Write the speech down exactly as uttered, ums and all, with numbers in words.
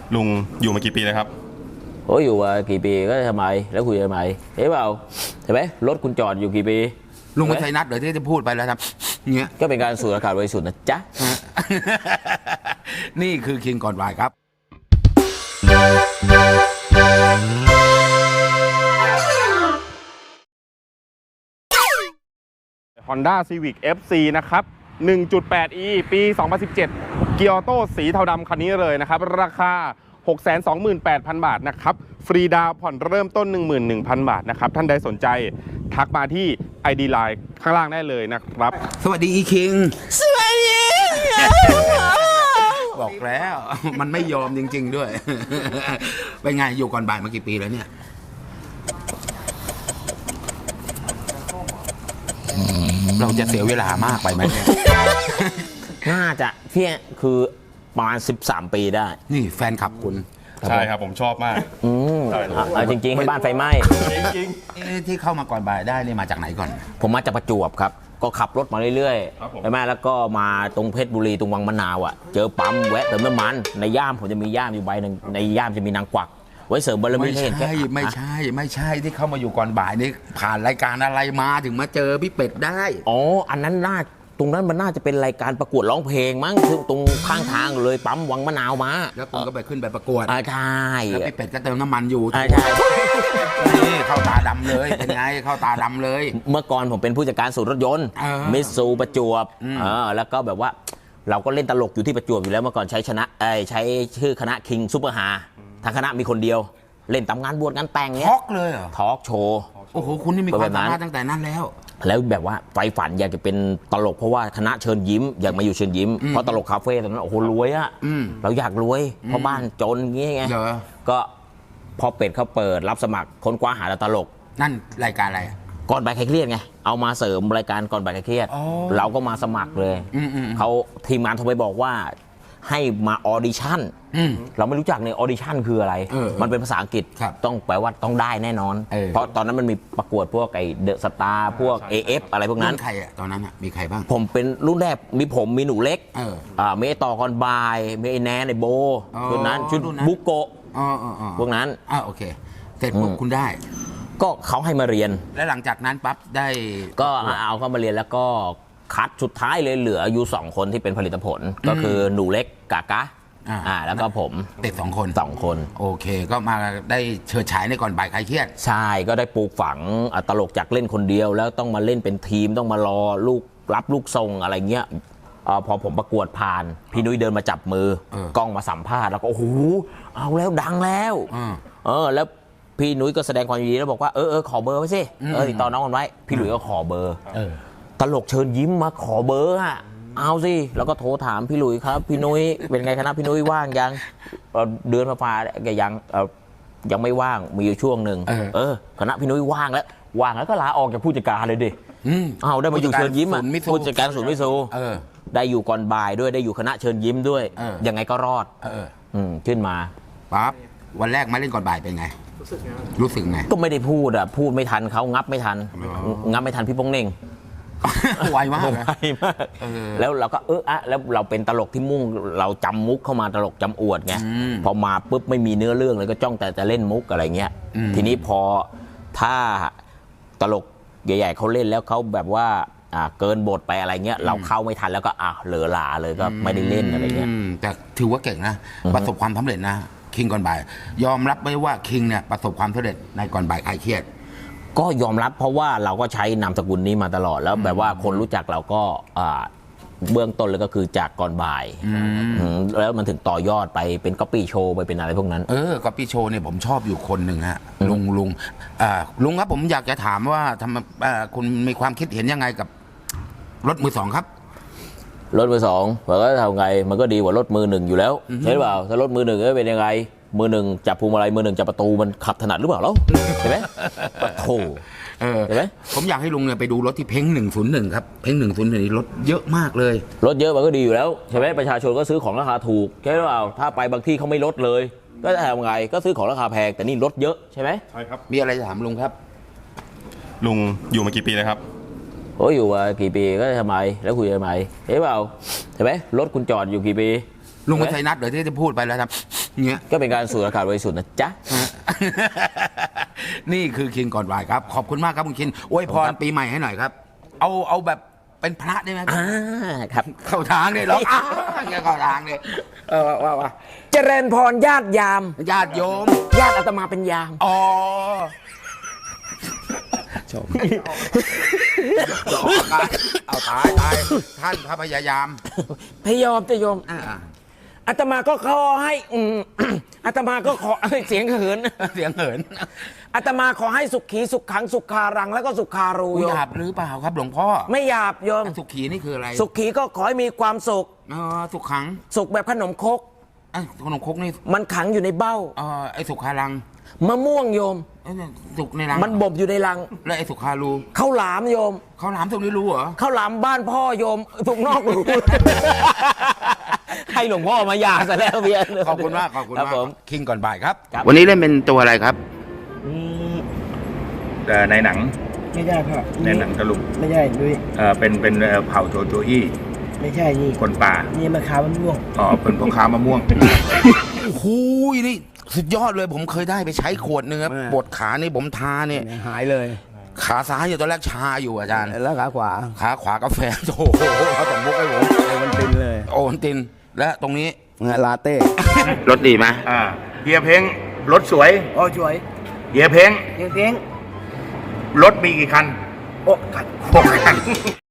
ลุงอยู่มากี่ปีแล้วครับโอ้อยู่มากี่ปีก็ทำไมแล้วคุยทำไมเห็นเปล่าเห็นไหมรถคุณจอดอยู่กี่ปีลุงไม่ใช่นัดเดี๋ยวที่จะพูดไปแล้วครับเงี้ยก็เป็นการสูดอากาศบริสุทธิ์นะจ๊ะนี่คือคิงก่อนบ่ายครับ Honda Civic เอฟ ซี นะครับ หนึ่งจุดแปด อี ปี สองพันสิบเจ็ด เกียร์ออโต้สีเทาดำคันนี้เลยนะครับราคา หกแสนสองหมื่นแปดพัน บาทนะครับฟรีดาวผ่อนเริ่มต้น หนึ่งหมื่นหนึ่งพัน บาทนะครับท่านใดสนใจทักมาที่ ไอ ดี ไลน์ ข้างล่างได้เลยนะครับสวัสดีอีคิงสวัสดีบอกแล้วมันไม่ยอมจริงๆด้วยเป็นไงอยู่ก่อนบ่ายมากี่ปีแล้วเนี่ยเราจะเสียเวลามากไปไหมน่าจะเพี้ยคือประมาณสิบสามปีได้นี่แฟนคลับคุณใช่ครับผมชอบมากอืมเอาจริงๆให้บ้านไฟไหม้จริงๆที่เข้ามาก่อนบ่ายได้นี่มาจากไหนก่อนผมมาจากประจวบครับก็ขับรถมาเรื่อยๆใช่ไหมแล้วก็มาตรงเพชรบุรีตรงวังมะนาวอ่ะเจอปั๊มแวะเติมน้ำมันในย่ามผมจะมีย่ามอยู่ใบหนึ่งในย่ามจะมีนางกวักไว้เสริมบารมีให้เห็นแค่ไม่ใช่ไม่ใช่ที่เข้ามาอยู่ก่อนบ่ายนี่ผ่านรายการอะไรมาถึงมาเจอพี่เป็ดได้อ๋ออันนั้นน่าตรงนั้นมันน่าจะเป็นรายการประกวดร้องเพลงมั้งตรงข้างทางเลยปั๊มวังมะนาวมาแล้วคุณก็ไปขึ้นไปประกวดอ่าใช่แล้วพี่เป็ดก็เติมน้ำมันอยู่ใช่ใช่นี่เข้าตาดำเลยเป็นไงเข้าตาดำเลยเมื่อก่อนผมเป็นผู้จัดการศูนย์รถยนต์มิตซูประจวบเออแล้วก็แบบว่าเราก็เล่นตลกอยู่ที่ประจวบอยู่แล้วเมื่อก่อนใช้ชนะเอ้ใช้ชื่อคณะคิงซุปเปอร์ฮาทางคณะมีคนเดียวเล่นตามงานบวชงานแต่งเนี้ยทอล์กเลยเหรอทอล์กโชว์โอ้โหคุณนี่มีความสามารถตั้งแต่นั้นแล้วแล้วแบบว่าไฟฝันอยากจะเป็นตลกเพราะว่าคณะเชิญยิ้มอยากมาอยู่เชิญยิ้มเพราะตลกคาเฟ่ตอนนั้นโอ้โหรวยอะเราอยากรวยเพราะบ้านจนงี้ไงก็พอเป็ดเขาเปิดรับสมัครค้นคว้าหาตลกนั่นรายการอะไรก่อนบ่ายคลายเครียดไงเอามาเสริมรายการก่อนบ่ายคลายเครียดเราก็มาสมัครเลยเขาทีมงานโทรไปบอกว่าให้มาออดิชั่นเราไม่รู้จักในออดิชั่นคืออะไรมันเป็นภาษาอังกฤษต้องแปลว่าต้องได้แน่นอนเพราะตอนนั้นมันมีประกวดพวกไอเดอะสตาร์พวก เอ เอฟ อะไรพวกนั้นใครอะตอนนั้นอะมีใครบ้างผมเป็นรุ่นแรกมีผมมีหนูเล็กอ่ามีไอต่อก่อนบ่ายมีไอแนนไอโบชุดนั้นชุดบุโกะพวกนั้นอ่าโอเคเสร็จปุ๊บคุณได้ก็เขาให้มาเรียนแล้วหลังจากนั้นปั๊บได้ก็เอาเข้ามาเรียนแล้วก็คัดสุดท้ายเลยเหลืออยู่สองคนที่เป็นผลิตผลก็คือหนูเล็กกากะอ่าแล้วก็ผมเด็กสองคนสองคนโอเคก็มาได้เชิดฉายในก่อนบ่ายคลายเครียดใช่ก็ได้ปลูกฝังตลกจากเล่นคนเดียวแล้วต้องมาเล่นเป็นทีมต้องมารอลูกรับลูกทรงอะไรเงี้ยอพอผมประกวดผ่านพี่นุ้ยเดินมาจับมือกล้องมาสัมภาษณ์แล้วก็โอ้โหเอาแล้วดังแล้วเออแล้วพี่นุ้ยก็แสดงความยินดีแล้วบอกว่าเออเออขอเบอร์ไว้สิเออติดต่อน้องกันไว้พี่หลุยก็ขอเบอร์ตลกเชิญยิ้มมาขอเบอร์อะเอาสิแล้วก็โทรถามพี่หลุยครับพี่นุ้ยเป็นไงคณะพี่นุ้ยว่างยังเดือนฟ้าแกยังยังไม่ว่างมีอยู่ช่วงหนึ่งเออคณะพี่นุ้ยว่างแล้วว่างแล้วก็ลาออกจากผู้จัดการเลยดิเอาได้มาอยู่เชิญยิ้มอ่ะผู้จัดการศูนย์มิซูได้อยู่ก่อนบ่ายด้วยได้อยู่คณะเชิญยิ้มด้วยยังไงก็รอดขึ้นมาปั๊บวันแรกมาเล่นก่อนบ่ายเป็นไงรู้สึกไงก็ไม่ได้พูดอ่ะพูดไม่ทันเขางับไม่ทันงับไม่ทันพี่โป้งเน่งไวมากไวมากแล้วเราก็เอออะแล้วเราเป็นตลกที่มุ่งเราจำมุกเข้ามาตลกจำอวดไงพอมาปุ๊บไม่มีเนื้อเรื่องเลยก็จ้องแต่จะเล่นมุกอะไรเงี้ยทีนี้พอถ้าตลกใหญ่ๆเขาเล่นแล้วเขาแบบว่าเกินบทไปอะไรเงี้ยเราเข้าไม่ทันแล้วก็อ่ะเหลือหลาเลยก็ไม่ได้เล่นอะไรเงี้ยแต่ถือว่าเก่งนะประสบความสำเร็จนะคิงก่อนบ่ายยอมรับไหมว่าคิงเนี่ยประสบความสำเร็จในก่อนบ่ายคลายเครียดก็ยอมรับเพราะว่าเราก็ใช้นามสกุลนี้มาตลอดแล้วแบบว่าคนรู้จักเราก็เบื้องต้นเลยก็คือจากก่อนบ่ายแล้วมันถึงต่อยอดไปเป็นก๊อปปี้โชว์ไปเป็นอะไรพวกนั้นเออก๊อปปี้โชว์เนี่ยผมชอบอยู่คนหนึ่งฮะลุงลุงลุงครับผมอยากจะถามว่าทำคุณมีความคิดเห็นยังไงกับรถมือสองครับรถมือสองมันก็ทำไงมันก็ดีกว่ารถมือหนึ่งอยู่แล้วใช่หรือเปล่าถ้ารถมือหนึ่งจะเป็นยังไงมือหนึ่งจับพวงมาลัยมือหนึ่งจับประตูมันขับถนัดหรือเปล่าแล้วเห็นไหมปะโถเห็นไหมผมอยากให้ลุงเนี่ยไปดูรถที่เพ้งหนึ่งศูนย์หนึ่งครับเพ้งหนึ่งศูนย์หนึ่งรถเยอะมากเลยรถเยอะมันก็ดีอยู่แล้วใช่ไหมประชาชนก็ซื้อของราคาถูกใช่หรือเปล่าถ้าไปบางที่เขาไม่ลดเลยก็จะทำไงก็ซื้อของราคาแพงแต่นี่รถเยอะใช่ไหมใช่ครับมีอะไรจะถามลุงครับลุงอยู่มากี่ปีแล้วครับโอ้อยู่มากี่ปีก็ทำไมแล้วคุยทำไมเห็นเปล่าเห็นไหมรถคุณจอดอยู่กี่ปีลุงเป็นไซนัสเดี๋ยวที่จะพูดไปแล้วครับเงี้ยก็เป็นการสูดอากาศบริสุทธิ์นะจ๊ะนี่คือคินก่อนบ่ายครับ ขอบคุณมากครับคุณคินอวยพรปีใหม่ให้หน่อยครับ เอาเอาแบบเป็นพระได้ไหมอ่าครับเข้าทางเลยเหรออ้าวเงี้ยเข้าทางเลยเออว่าว่าเจริญพรญาติยามญาติโยมญาติอาตมาเป็นยามอ๋อชมเอาตายตายท่านพระพยายามพยอมจะโยมอ่าอาตมาก็ขอให้อืม อาตมาก็ขอ เสียงเหินเสียงเหินอาตมาขอให้สุขีสุขขังสุขารังแล้วก็สุขารูอุโยหมยาบหรือเปล่าครับหลวงพ่อไม่หยาบโยมสุขีนี่คืออะไรสุขีก็ขอให้มีความสุขอ๋อสุขขังสุขแบบขนมครกไอ้ขนมครกนี่มันขังอยู่ในเบ้าเออไอ้สุขารังมะม่วงโยมไอ้เนี่ยสุกในรังมันบ่มอยู่ในรังแล้วไอ้สุขารูข้าวหลามโยมเขาหลามตรงนี้รู้เหรอข้าวหลามบ้านพ่อโยมถูกนอกรู ให้หลวงพ่อมาหยาซะแล้วเพียขอบคุณมากขอบคุณครับมากผมคิงก่อนบ่ายครับครับวันนี้เล่นเป็นตัวอะไรครับเอ่อในหนังไม่ใช่พ่อในหนังตะลุงไม่ใช่ด้วยเอ่อเป็นเป็นเอ่อเผ่าโจโจอี้ไม่ใช่นี่คนป่านี่มะขามมันม่วงอ๋อเป็นพ่อค้ามะม่วงโอ้โหนี่สุดยอดเลยผมเคยได้ไปใช้ขวดหนึงครับอ่าปวดขานี่ผมทาเนี่ยหายเลยขาซ้ายอยู่ตอนแรกชาอยู่อาจารย์แล้วขาขวาขาขวากาแฟโอ้โหเขาส่งมุกให้ผมโอมันตินเลยโอวันตินและตรงนี้ลาเต้รถดีไหมอ่าเฮียเพ้งรถสวยโอ้ช่วยเฮียเพ้งเพียงเพียงรถมีกี่คันโอ้กัดหกคัน